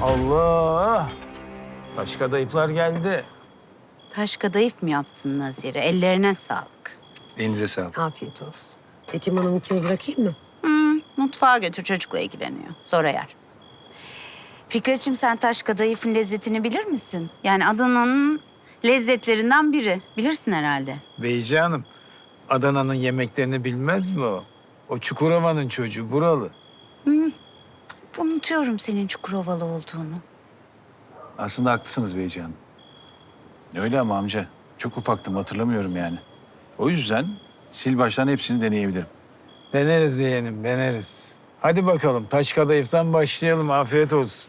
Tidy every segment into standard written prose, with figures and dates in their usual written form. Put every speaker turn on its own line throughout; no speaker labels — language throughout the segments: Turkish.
Allah! Taş kadayıflar geldi.
Taş kadayıf mı yaptın Nazire? Ellerine sağlık.
Elinize sağlık.
Afiyet olsun. Hekim Hanım'ı kimi bırakayım mı?
Mutfağa götür, çocukla ilgileniyor. Sonra yer. Fikretciğim, sen taş kadayıfın lezzetini bilir misin? Yani Adana'nın lezzetlerinden biri. Bilirsin herhalde.
Beyci Hanım, Adana'nın yemeklerini bilmez mi o? O Çukurova'nın çocuğu, buralı.
Unutuyorum senin Çukurovalı olduğunu.
Aslında haklısınız Beyci Hanım. Öyle ama amca. Çok ufaktım, hatırlamıyorum yani. O yüzden sil baştan hepsini deneyebilirim.
Deneriz yeğenim, deneriz. Hadi bakalım, taş kadayıftan başlayalım. Afiyet olsun.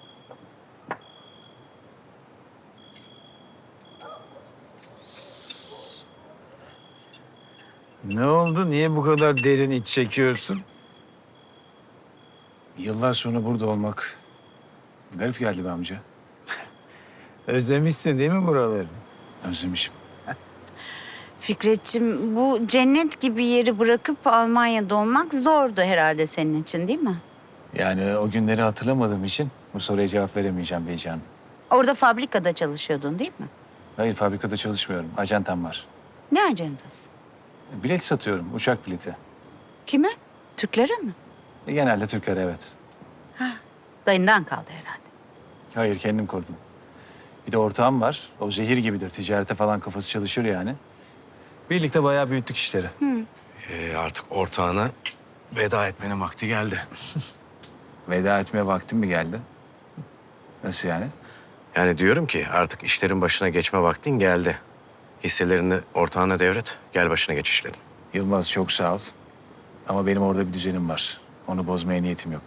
Ne oldu? Niye bu kadar derin iç çekiyorsun?
Yıllar sonra burada olmak garip geldi be amca.
Özlemişsin değil mi buraları?
Özlemişim.
Fikretciğim, bu cennet gibi yeri bırakıp Almanya'da olmak zordu herhalde senin için, değil mi?
Yani o günleri hatırlamadığım için bu soruya cevap veremeyeceğim Beyci Hanım.
Orada fabrikada çalışıyordun, değil mi?
Hayır, fabrikada çalışmıyorum. Ajantam var.
Ne ajandası?
Bilet satıyorum, uçak bileti.
Kime? Türklere mi?
Genelde Türklere, evet.
Dayından kaldı herhalde.
Hayır, kendim kurdum. Bir de ortağım var. O zehir gibidir. Ticarete falan kafası çalışır yani. Birlikte bayağı büyüttük işleri.
Artık ortağına veda etmenin vakti geldi.
Veda etmeye vaktim mi geldi? Nasıl yani?
Yani diyorum ki artık işlerin başına geçme vaktin geldi. Hisselerini ortağına devret, gel başına geç işlerin.
Yılmaz, çok sağ ol. Ama benim orada bir düzenim var. Onu bozmaya niyetim yok.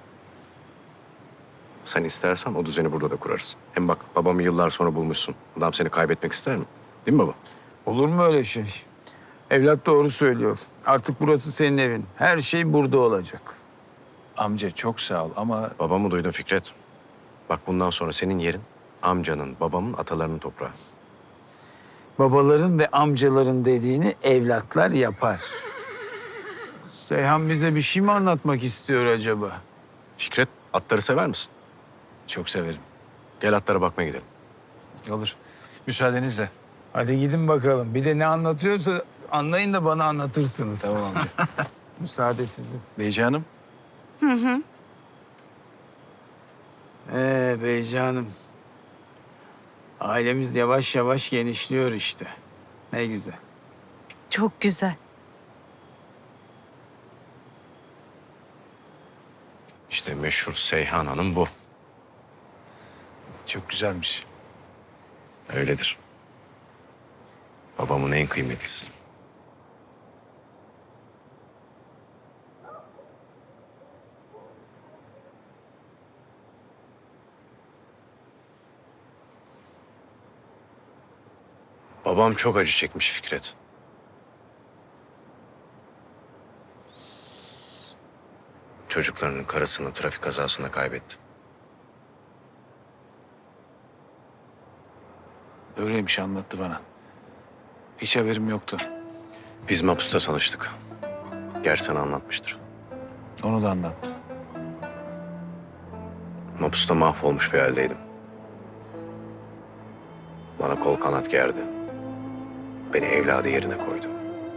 Sen istersen o düzeni burada da kurarız. Hem bak babamı yıllar sonra bulmuşsun. Adam seni kaybetmek ister mi? Değil mi baba?
Olur mu öyle şey? Evlat doğru söylüyor. Artık burası senin evin. Her şey burada olacak.
Amca çok sağ ol ama
Babamı duydun Fikret. Bak bundan sonra senin yerin amcanın, babamın, atalarının toprağı.
Babaların ve amcaların dediğini evlatlar yapar. Seyhan bize bir şey mi anlatmak istiyor acaba?
Fikret, atları sever misin?
çok severim.
Gel atlara bakmaya gidelim.
Olur. Müsaadenizle.
Hadi gidin bakalım. Bir de ne anlatıyorsa anlayın da bana anlatırsınız.
Tamam amca.
Müsaade sizin.
Beyci Hanım.
Beyci Hanım. Ailemiz yavaş yavaş genişliyor işte. Ne güzel.
Çok güzel.
İşte meşhur Seyhan Hanım bu.
Çok güzelmiş.
Öyledir. Babamın en kıymetlisi. Babam çok acı çekmiş Fikret. Çocuklarının karısını trafik kazasında kaybetti.
Öyleymiş, anlattı bana. Hiç haberim yoktu.
Biz Mapus'ta tanıştık. Gerçi sana anlatmıştır.
Onu da anlattı.
Mapus'ta mahvolmuş bir haldeydim. Bana kol kanat gerdi. Beni evladı yerine koydu.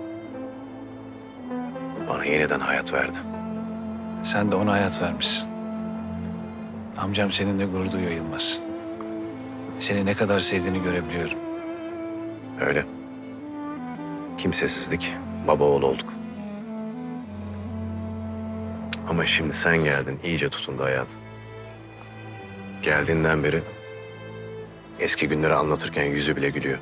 Bana yeniden hayat verdi.
Sen de ona hayat vermişsin. Amcam seninle gurur duyuyor Yılmaz. Seni ne kadar sevdiğini görebiliyorum.
Öyle. Kimsesizlik, baba oğul olduk. Ama şimdi sen geldin, iyice tutundu hayat. Geldiğinden beri eski günleri anlatırken yüzü bile gülüyor.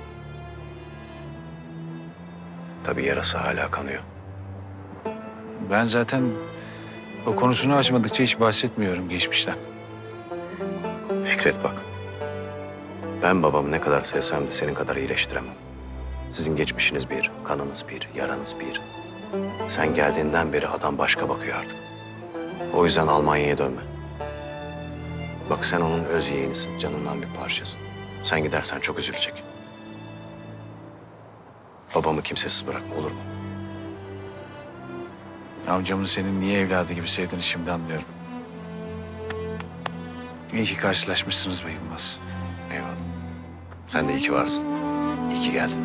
Tabii yarası hala kanıyor.
Ben zaten o konusunu açmadıkça hiç bahsetmiyorum geçmişten.
Fikret bak. Ben babamı ne kadar sevsem de senin kadar iyileştiremem. Sizin geçmişiniz bir, kanınız bir, yaranız bir. Sen geldiğinden beri adam başka bakıyor artık. O yüzden Almanya'ya dönme. Bak sen onun öz yeğenisin, canından bir parçasın. Sen gidersen çok üzülecek. Babamı kimsesiz bırakma, olur mu?
Amcamın senin niye evladı gibi sevdiğini şimdi anlıyorum. İyi ki karşılaşmışsınız be Yılmaz.
Eyvallah. Sen de iyi ki varsın. İyi ki geldin.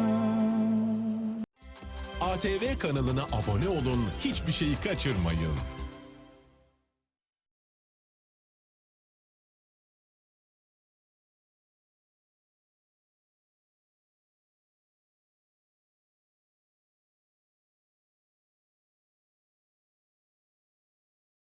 ATV kanalına abone olun, hiçbir şeyi kaçırmayın.